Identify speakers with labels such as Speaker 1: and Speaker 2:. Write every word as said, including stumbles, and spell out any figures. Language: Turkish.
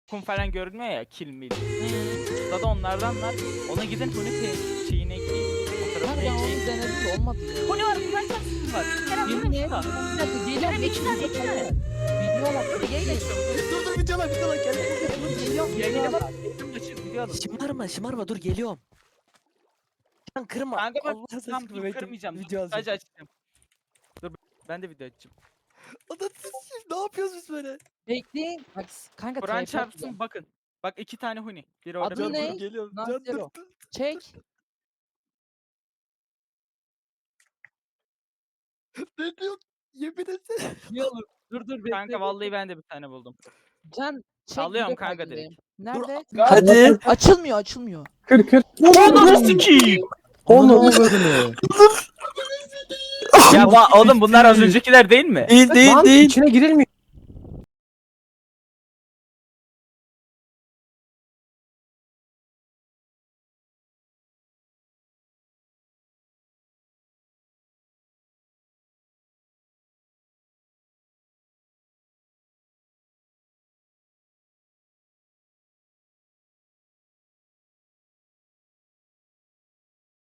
Speaker 1: kum falan görünmüyor ya, kill mil. Burada da onlardan var. Ona gidin Huni pe- şeyine ekleyin. Fotoğrafını
Speaker 2: Kanka onu
Speaker 1: ekleyin.
Speaker 2: denedim de olmadı ya.
Speaker 1: Huni var, Kur'an çarpsın var. Kerem
Speaker 2: Yemin
Speaker 1: Huni
Speaker 2: et.
Speaker 1: var.
Speaker 2: Bir dakika geliyorum.
Speaker 1: Kerem iki tane, iki tane.
Speaker 2: Video bak.
Speaker 1: Dur yayın açıyorum.
Speaker 3: Dur dur videolar videolar gel.
Speaker 2: Geliyorum.
Speaker 1: Yayına
Speaker 2: Geliyorum.
Speaker 1: bak. Yayını açın, video alın.
Speaker 3: Şımarma şımarma dur geliyorum. Can kırma.
Speaker 1: Kanka bak,
Speaker 3: Allah
Speaker 1: tam
Speaker 3: aşkına
Speaker 1: dur
Speaker 3: bekle,
Speaker 1: kırmayacağım. Dur,
Speaker 3: Video alacağım.
Speaker 1: sadece açacağım. Dur ben de video açacağım.
Speaker 3: Anasını ne yapıyoruz biz böyle?
Speaker 2: Bekleyin. Bak kanka
Speaker 1: Kur'an
Speaker 2: tripod var.
Speaker 1: çarpsın bakın. Bak iki tane Huni. Biri orada.
Speaker 2: Adı
Speaker 3: Can
Speaker 1: biri
Speaker 2: ne?
Speaker 1: burada.
Speaker 3: dur geliyorum.
Speaker 2: Lan
Speaker 3: Can dur
Speaker 2: zero.
Speaker 3: dur.
Speaker 2: Çek.
Speaker 3: Ne diyorsun? Yemin etsene.
Speaker 2: Bir olur. Dur dur bekle.
Speaker 1: Kanka vallahi ben de bir tane buldum.
Speaker 2: Can çek.
Speaker 1: Alıyorum
Speaker 2: video
Speaker 1: kanka
Speaker 2: kaydındayım.
Speaker 1: direkt.
Speaker 2: Nerede?
Speaker 4: Hadi.
Speaker 2: Açılmıyor açılmıyor.
Speaker 4: Kır kır.
Speaker 1: Ananı sikeyim.
Speaker 4: Oğlum.
Speaker 1: Ya ba- oğlum bunlar az öncekiler değil mi?
Speaker 4: Değil değil
Speaker 5: Lan
Speaker 4: değil.
Speaker 5: içine girilmiyor.